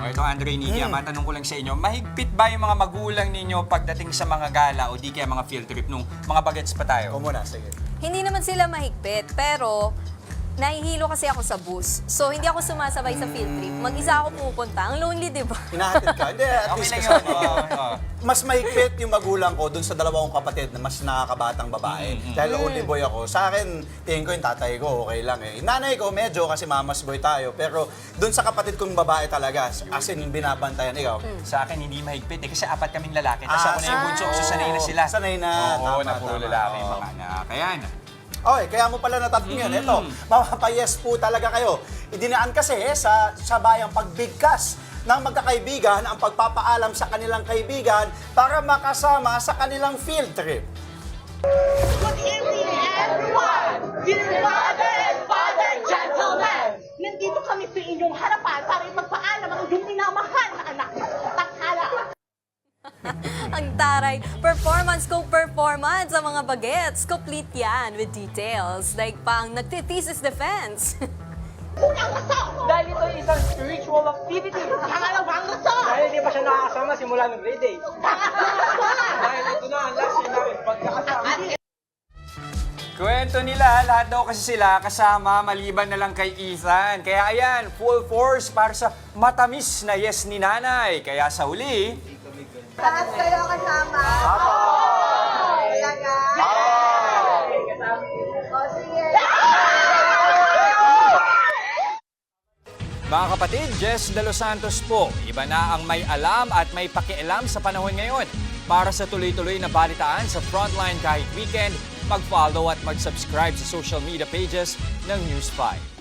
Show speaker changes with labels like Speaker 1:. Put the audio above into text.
Speaker 1: O ito, Andre Nidia, matanong ko lang sa inyo, mahigpit ba yung mga magulang ninyo pagdating sa mga gala o di kaya mga field trip nung mga bagets pa tayo?
Speaker 2: Ikaw muna, sige.
Speaker 3: Hindi naman sila mahigpit, pero nahihilo kasi ako sa bus. So, hindi ako sumasabay sa field trip. Mag-isa ako pupunta. Ang lonely, di ba?
Speaker 2: Hinahatid ka? Hindi, at
Speaker 1: Okay
Speaker 2: least
Speaker 1: lang
Speaker 2: kasi
Speaker 1: yun. Oo.
Speaker 2: mas mahigpit yung magulang ko dun sa dalawang kapatid na mas nakakabatang babae. Dahil only boy ako. Sa akin, tingin ko yung tatay ko, okay lang eh. Nanay ko, medyo kasi mamas boy tayo. Pero dun sa kapatid kong babae talaga, as in binabantayan. Ikaw?
Speaker 1: Sa akin, hindi mahigpit eh, kasi apat kaming lalaki. Tapos ako na yung bunso, so sanay na sila.
Speaker 2: Sanay na.
Speaker 1: Oo,
Speaker 2: Tama,
Speaker 1: na puro
Speaker 2: tama.
Speaker 1: lalaki yung
Speaker 2: Oo.
Speaker 1: mga anak. Ayan.
Speaker 2: Okay, kaya mo pala natanong yun. Ito, mapapayes po talaga kayo. Idinaan kasi sa bayang pagbigkas ng magkakaibigan ang pagpapaalam sa kanilang kaibigan para makasama sa kanilang field trip.
Speaker 4: Good evening, everyone! Dear Mother and Father, gentlemen! Nandito kami sa inyong harapan para ipagpaalam ang inyong minamahal na anak. Takhala!
Speaker 3: Ang taray. Performance ko performance sa mga bagets. Complete yan with details. Like pang nagtithesis defense.
Speaker 4: Unang rason!
Speaker 5: Dahil ito ay isang spiritual activity.
Speaker 4: Pangalawang rason!
Speaker 5: Dahil hindi pa siya nakakasama simula ng grade 8.
Speaker 4: Pangatlong rason!
Speaker 5: Dahil ito na ang last year namin pagkakasama.
Speaker 1: Kwento nila, lahat daw kasi sila kasama maliban na lang kay Ethan. Kaya ayan, full force para sa matamis na yes ni nanay. Kaya sa huli,
Speaker 4: Lahat kayo kasama? Talaga? O sige.
Speaker 1: mga kapatid, Jess De Los Santos po. Iba na ang may alam at may pakialam sa panahon ngayon. Para sa tuloy-tuloy na balitaan sa Frontline kahit weekend, mag-follow at mag-subscribe sa social media pages ng News 5.